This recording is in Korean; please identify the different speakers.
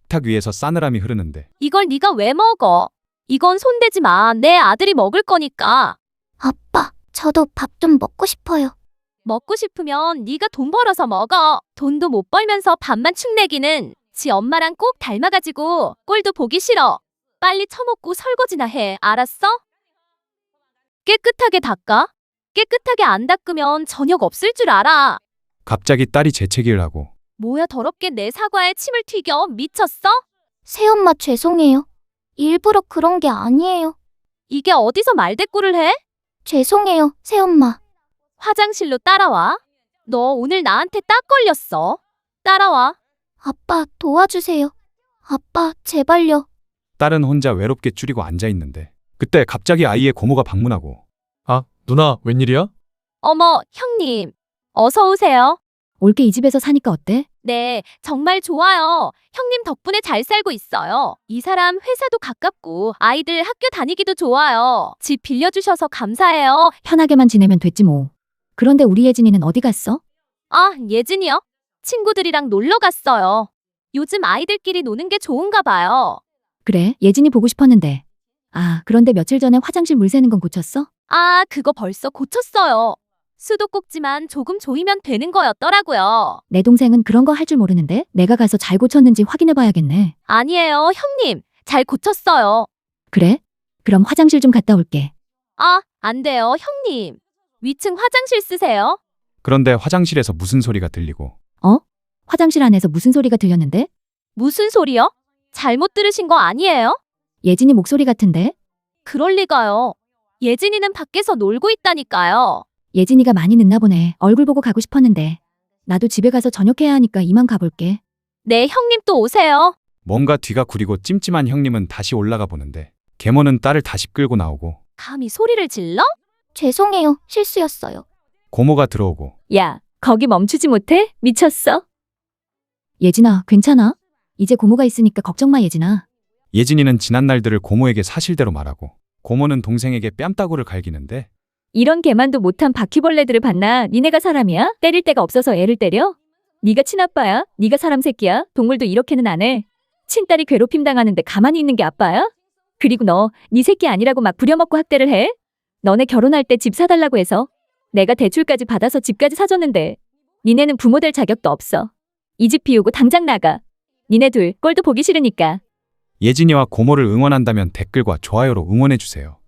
Speaker 1: 식탁 위에서 싸늘함이 흐르는데
Speaker 2: 이걸 네가 왜 먹어? 이건 손대지 마. 내 아들이 먹을 거니까.
Speaker 3: 아빠, 저도 밥 좀 먹고 싶어요.
Speaker 2: 먹고 싶으면 네가 돈 벌어서 먹어. 돈도 못 벌면서 밥만 축내기는 지 엄마랑 꼭 닮아가지고 꼴도 보기 싫어. 빨리 처먹고 설거지나 해. 알았어? 깨끗하게 닦아. 깨끗하게 안 닦으면 저녁 없을 줄 알아.
Speaker 1: 갑자기 딸이 재채기를 하고
Speaker 2: 뭐야 더럽게 내 사과에 침을 튀겨. 미쳤어?
Speaker 3: 새엄마 죄송해요. 일부러 그런 게 아니에요.
Speaker 2: 이게 어디서 말대꾸를 해?
Speaker 3: 죄송해요, 새엄마.
Speaker 2: 화장실로 따라와. 너 오늘 나한테 딱 걸렸어. 따라와.
Speaker 3: 아빠, 도와주세요. 아빠, 제발요.
Speaker 1: 딸은 혼자 외롭게 줄이고 앉아 있는데 그때 갑자기 아이의 고모가 방문하고
Speaker 4: 아, 누나, 웬일이야?
Speaker 2: 어머, 형님. 어서 오세요.
Speaker 5: 올게 이 집에서 사니까 어때?
Speaker 2: 네, 정말 좋아요. 형님 덕분에 잘 살고 있어요. 이 사람 회사도 가깝고 아이들 학교 다니기도 좋아요. 집 빌려주셔서 감사해요.
Speaker 5: 편하게만 지내면 됐지 뭐. 그런데 우리 예진이는 어디 갔어?
Speaker 2: 아, 예진이요? 친구들이랑 놀러 갔어요. 요즘 아이들끼리 노는 게 좋은가 봐요.
Speaker 5: 그래, 예진이 보고 싶었는데. 아, 그런데 며칠 전에 화장실 물 새는 건 고쳤어?
Speaker 2: 아, 그거 벌써 고쳤어요. 수도꼭지만 조금 조이면 되는 거였더라고요.
Speaker 5: 내 동생은 그런 거 할 줄 모르는데 내가 가서 잘 고쳤는지 확인해 봐야겠네.
Speaker 2: 아니에요, 형님. 잘 고쳤어요.
Speaker 5: 그래? 그럼 화장실 좀 갔다 올게.
Speaker 2: 아, 안 돼요, 형님. 위층 화장실 쓰세요.
Speaker 1: 그런데 화장실에서 무슨 소리가 들리고
Speaker 5: 화장실 안에서 무슨 소리가 들렸는데?
Speaker 2: 무슨 소리요? 잘못 들으신 거 아니에요?
Speaker 5: 예진이 목소리 같은데?
Speaker 2: 그럴 리가요. 예진이는 밖에서 놀고 있다니까요.
Speaker 5: 예진이가 많이 늦나 보네. 얼굴 보고 가고 싶었는데. 나도 집에 가서 저녁해야 하니까 이만 가볼게.
Speaker 2: 네, 형님 또 오세요.
Speaker 1: 뭔가 뒤가 구리고 찜찜한 형님은 다시 올라가 보는데 계모는 딸을 다시 끌고 나오고
Speaker 2: 감히 소리를 질러?
Speaker 3: 죄송해요, 실수였어요.
Speaker 1: 고모가 들어오고
Speaker 2: 야, 거기 멈추지 못해? 미쳤어?
Speaker 5: 예진아, 괜찮아? 이제 고모가 있으니까 걱정 마, 예진아.
Speaker 1: 예진이는 지난 날들을 고모에게 사실대로 말하고 고모는 동생에게 뺨따구를 갈기는데
Speaker 2: 이런 개만도 못한 바퀴벌레들을 봤나? 니네가 사람이야? 때릴 데가 없어서 애를 때려? 네가 친아빠야? 네가 사람 새끼야? 동물도 이렇게는 안 해. 친딸이 괴롭힘 당하는데 가만히 있는 게 아빠야? 그리고 너, 네 새끼 아니라고 막 부려먹고 학대를 해? 너네 결혼할 때 집 사달라고 해서 내가 대출까지 받아서 집까지 사줬는데 니네는 부모 될 자격도 없어. 이 집 비우고 당장 나가. 니네 둘 꼴도 보기 싫으니까.
Speaker 1: 예진이와 고모를 응원한다면 댓글과 좋아요로 응원해주세요.